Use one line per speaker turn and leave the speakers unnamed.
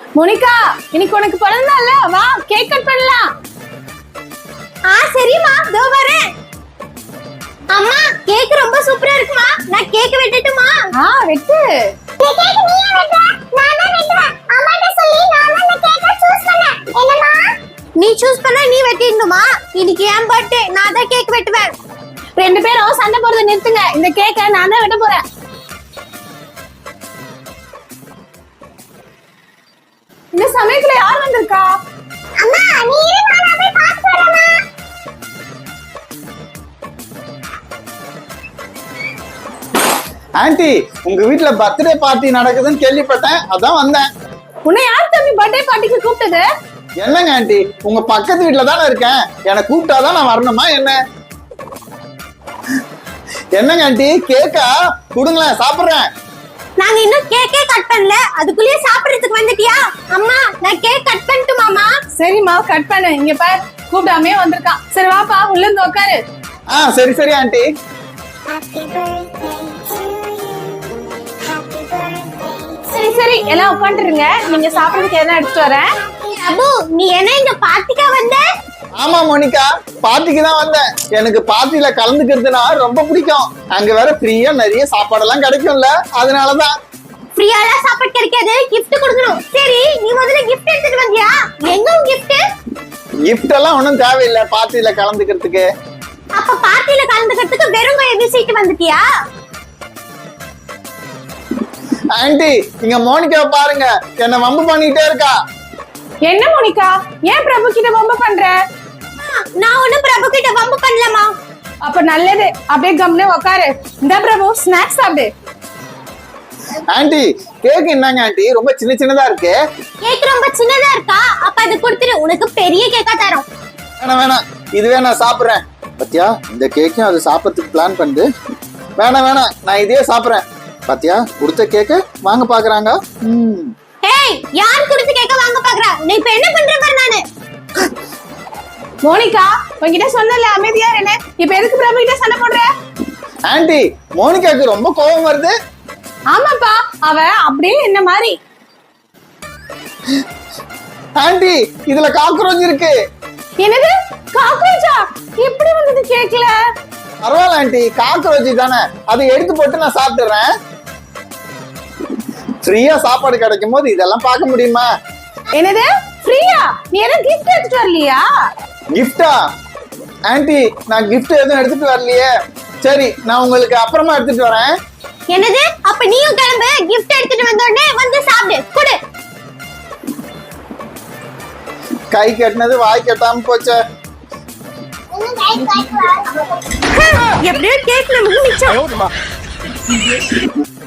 Monica, இன்னைக்கு உனக்கு பிறந்த நாள்ல, வா கேக் கட் பண்ணலாம்.
சரிம்மா, இதோ வரேன். அம்மா, கேக் ரொம்ப சூப்பரா இருக்குமா? நான் கேக் வெட்டட்டுமா?
வெட்டு.
இந்த கேக் நீயே வெட்ட? நான் தான் வெட்டுவேன். அம்மாட்ட சொல்லி நான் தான் இந்த கேக்க சூஸ் பண்ணேன். என்னம்மா? நீ சூஸ் பண்ணா நீ வெட்டிடணுமா? இன்னைக்கு என் பர்த்டே, நான் தான் கேக் வெட்டுவேன்.
ரெண்டு பேரும் சண்டை போறதை நிறுத்துங்க. இந்த கேக்க நான் தான் வெட்ட போறேன். இந்த சமயத்துல யார் வந்திருக்கா?
அம்மா, நீ இரு, நான் போய் பார்த்து வரேம்மா.
ஆன்ட்டி, உங்க வீட்ல பர்த்டே பார்ட்டி நடக்குதுன்னு கேள்விப்பட்டேன், அதான் வந்தேன்.
உன்னை யார் தம்பி பர்த்டே பார்ட்டிக்கு கூப்பிட்டது?
என்னங்க ஆன்ட்டி, உங்க பக்கத்து வீட்ல தானே இருக்கேன், என்னை கூப்பிட்டாதான் நான் வரணுமா என்ன? என்னங்க ஆன்ட்டி, கேக்கா கொடுங்களேன், சாப்பிடுறேன்.
நாங்க இன்னும் கேக்கே கட் பண்ணல, அதுக்குள்ளேயே சாப்பிடுறதுக்கு வந்துட்டியா? அம்மா, நான் கேக் கட் பண்ணட்டுமாமா?
சரிம்மா, கட் பண்ணு. இங்க பாரு, கூப்பிடாமே வந்திருக்கான். சரி வாப்பா, உள்ள இருந்து உட்காரு.
சரி சரி ஆன்ட்டி.
சரி சரி, எல்லாம் உட்காந்துருங்க. நீங்க சாப்பிடுறதுக்கு எதனா எடுத்துட்டு வரேன்.
அபு, நீ என்ன இங்க பார்ட்டிக்கா வந்த?
ஆமா மோனிகா, பார்ட்டிக்கு தான் வந்தேன். எனக்கு பார்ட்டில கலந்துக்கிறதுனா ரொம்ப பிடிக்கும். அங்க வேற ஃப்ரீயா நிறைய சாப்பாடெல்லாம் கிடைக்கும்ல, அதனாலதான்.
ஃப்ரீயால சாப்பாடு கிடைக்காது, gift கொடுக்கணும். சரி, நீ முதல்ல gift எடுத்துட்டு வந்தியா? எங்க உன் gift?
கிஃப்ட் எல்லாம் ஒண்ணும் தேவையில்லை பார்ட்டில கலந்துக்கிறதுக்கு.
அப்ப பார்ட்டில கலந்துக்கிறதுக்கு வெறும் கையை வீசிட்டு வந்துட்டியா?
ஆன்ட்டி, இங்க மோனிகா பாருங்க, என்ன வம்பு பண்ணிட்டே இருக்கா.
என்ன மோனிகா, ஏன் பிரபு கிட்ட வம்பு பண்ற?
நான் ஒண்ணும் பிரபு கிட்ட வம்பு பண்ணலமா.
அப்ப நல்லது, அப்படியே கம்னே உட்காரு. இந்த பிரபு ஸ்நாக்ஸ் சாப்பிடு.
ஆன்ட்டி, கேக் என்னங்க ஆன்ட்டி, ரொம்ப சின்ன சின்னதா இருக்கு.
கேக் ரொம்ப சின்னதா இருக்கா? அப்ப அது கொடுத்துரு, உனக்கு பெரிய கேக்கா தரோம்.
வேணாம் வேணாம், இதுவே நான் சாப்பிடுறேன். பாத்தியா, இந்த கேக்கையும் அது சாப்பிட்றதுக்கு பிளான் பண்ணுது. வேணாம் வேணாம், நான் இதையே சாப்பிடுறேன். பாத்தியா, கொடுத்த கேக்க வாங்க பாக்குறாங்க.
ஏய், யார் கொடுத்த கேக்க வாங்க பாக்குறா? நீ இப்ப என்ன பண்ற பாரு. நானு
மோனிகா, உன்கிட்ட சொன்னல அமைதியா இரு. இப்ப எதுக்கு பிரபு கிட்ட சண்டை போடுற?
ஆன்ட்டி, மோனிகாக்கு ரொம்ப கோபம் வருது.
ஆமாப்பா, அவ அப்படியே என்ன மாதிரி.
ஆன்ட்டி, இதுல காக்ரோச் இருக்கு.
என்னது, காக்ரோச்சா? எப்படி வந்தது கேக்கல?
பரவாயில்ல ஆன்ட்டி, காக்ரோச் தானே, அதை எடுத்து போட்டு நான் சாப்பிட்டுறேன். ஃப்ரீயா சாப்பாடு கிடைக்கும் போது இதெல்லாம் பார்க்க முடியுமா?
என்னது ஃப்ரீயா? நீ எதுவும் கிஃப்ட் எடுத்துட்டு வரலையா?
கிஃப்டா? ஆன்ட்டி, நான் கிஃப்ட் எதுவும் எடுத்துட்டு வரலையே. சரி, நான் உங்களுக்கு அப்புறமா எடுத்துட்டு வரேன்.
என்னது? அப்ப நீயும் கிளம்பு, gift எடுத்துட்டு வந்த உடனே வந்து சாப்பிடு. குடு.
கை கட்டினது வாய் கட்டாம போச்சே.
எப்படியோ கேக் நமக்கு மிச்சம்.